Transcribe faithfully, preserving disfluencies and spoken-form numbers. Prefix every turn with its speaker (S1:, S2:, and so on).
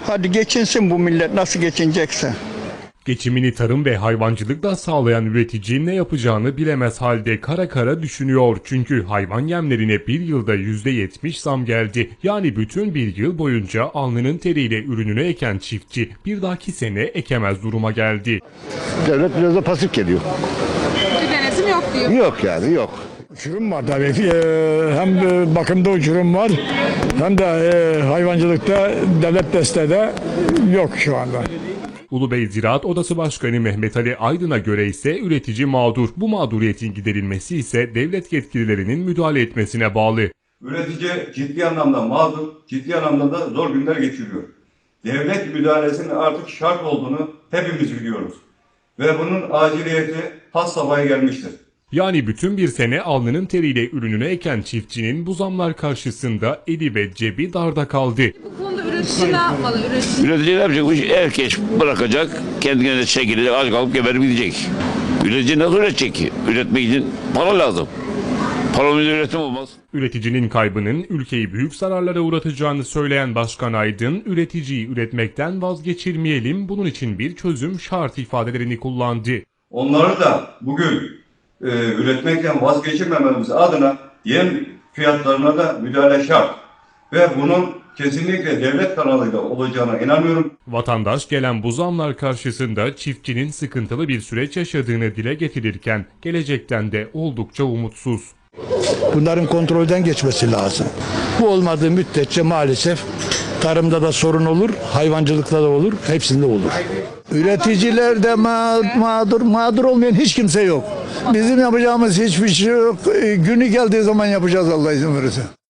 S1: Hadi geçinsin bu millet nasıl geçinecekse.
S2: Geçimini tarım ve hayvancılıkla sağlayan üretici ne yapacağını bilemez halde kara kara düşünüyor. Çünkü hayvan yemlerine bir yılda yüzde yetmiş zam geldi. Yani bütün bir yıl boyunca alnının teriyle ürününü eken çiftçi bir dahaki sene ekemez duruma geldi.
S3: Devlet biraz da pasif geliyor.
S4: Bir denetim yok diyor.
S3: Yok yani yok.
S5: Uçurum var tabii. Ee, hem bakımda uçurum var hem de e, hayvancılıkta devlet desteği de yok şu anda.
S2: Ulubey Ziraat Odası Başkanı Mehmet Ali Aydın'a göre ise üretici mağdur. Bu mağduriyetin giderilmesi ise devlet yetkililerinin müdahale etmesine bağlı.
S6: Üretici ciddi anlamda mağdur, ciddi anlamda da zor günler geçiriyor. Devlet müdahalesinin artık şart olduğunu hepimiz biliyoruz. Ve bunun aciliyeti has safhaya gelmiştir.
S2: Yani bütün bir sene alnının teriyle ürününü eken çiftçinin bu zamlar karşısında eli ve cebi darda kaldı.
S4: Bu konuda üretici ne yapmalı? Üretici
S7: Üretici ne yapacakmış? Herkes bırakacak, kendine de çekilecek, aç kalıp geberip gidecek. Üretici nasıl üretecek ki? Üretmek için para lazım. Paramız üretim olmaz.
S2: Üreticinin kaybının ülkeyi büyük zararlara uğratacağını söyleyen Başkan Aydın, üreticiyi üretmekten vazgeçirmeyelim, bunun için bir çözüm şart ifadelerini kullandı.
S6: Onları da bugün e, üretmekten vazgeçirmememiz adına yem fiyatlarına da müdahale şart. Ve bunun kesinlikle devlet kanalıyla olacağına inanıyorum.
S2: Vatandaş gelen bu zamlar karşısında çiftçinin sıkıntılı bir süreç yaşadığını dile getirirken gelecekten de oldukça umutsuz.
S5: Bunların kontrolden geçmesi lazım. Bu olmadığı müddetçe maalesef tarımda da sorun olur, hayvancılıkta da olur, hepsinde olur. Üreticiler de ma- mağdur, mağdur olmayan hiç kimse yok. Bizim yapacağımız hiçbir şey yok. Günü geldiği zaman yapacağız Allah izin verirse.